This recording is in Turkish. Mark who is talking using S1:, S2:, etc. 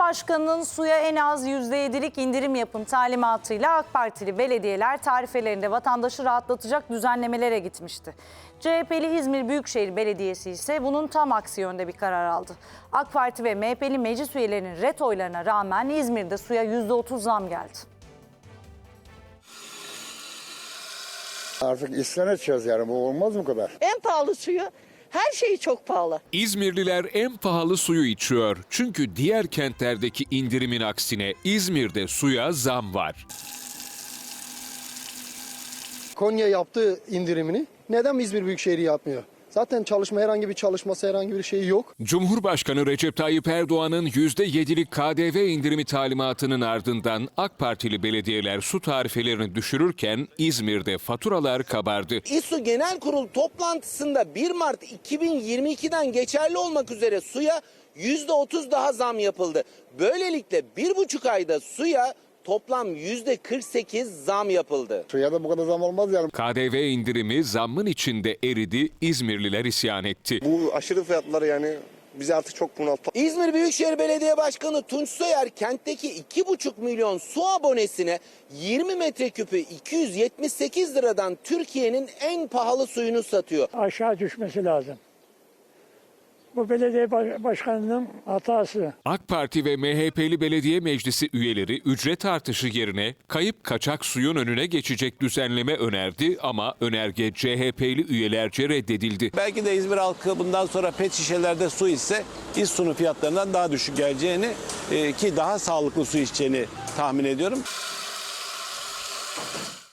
S1: Cumhurbaşkanı'nın suya en az %7'lik indirim yapın talimatıyla AK Partili belediyeler tarifelerinde vatandaşı rahatlatacak düzenlemelere gitmişti. CHP'li İzmir Büyükşehir Belediyesi ise bunun tam aksi yönde bir karar aldı. AK Parti ve MHP'li meclis üyelerinin ret oylarına rağmen İzmir'de suya %30 zam geldi.
S2: Artık isyan edeceğiz yani, bu olmaz mı kadar?
S3: En pahalı suyu, her şeyi çok pahalı.
S4: İzmirliler en pahalı suyu içiyor. Çünkü diğer kentlerdeki indirimin aksine İzmir'de suya zam var.
S5: Konya yaptığı indirimini neden İzmir Büyükşehir yapmıyor? Zaten herhangi bir şey yok.
S4: Cumhurbaşkanı Recep Tayyip Erdoğan'ın %7'lik KDV indirimi talimatının ardından AK Partili belediyeler su tarifelerini düşürürken İzmir'de faturalar kabardı.
S6: İSU Genel Kurul toplantısında 1 Mart 2022'den geçerli olmak üzere suya %30 daha zam yapıldı. Böylelikle 1,5 ayda suya toplam %48 zam yapıldı.
S2: Suya da bu kadar zam olmaz yani.
S4: KDV indirimi zammın içinde eridi, İzmirliler isyan etti.
S7: Bu aşırı fiyatlar yani bizi artık çok bunalttı.
S6: İzmir Büyükşehir Belediye Başkanı Tunç Soyer kentteki 2,5 milyon su abonesine 20 metreküpü 278 liradan Türkiye'nin en pahalı suyunu satıyor.
S8: Aşağı düşmesi lazım. Bu belediye başkanının hatası.
S4: AK Parti ve MHP'li belediye meclisi üyeleri ücret artışı yerine kayıp kaçak suyun önüne geçecek düzenleme önerdi ama önerge CHP'li üyelerce reddedildi.
S9: Belki de İzmir halkı bundan sonra pet şişelerde su ise İSSU'nun fiyatlarından daha düşük geleceğini ki daha sağlıklı su içeceğini tahmin ediyorum.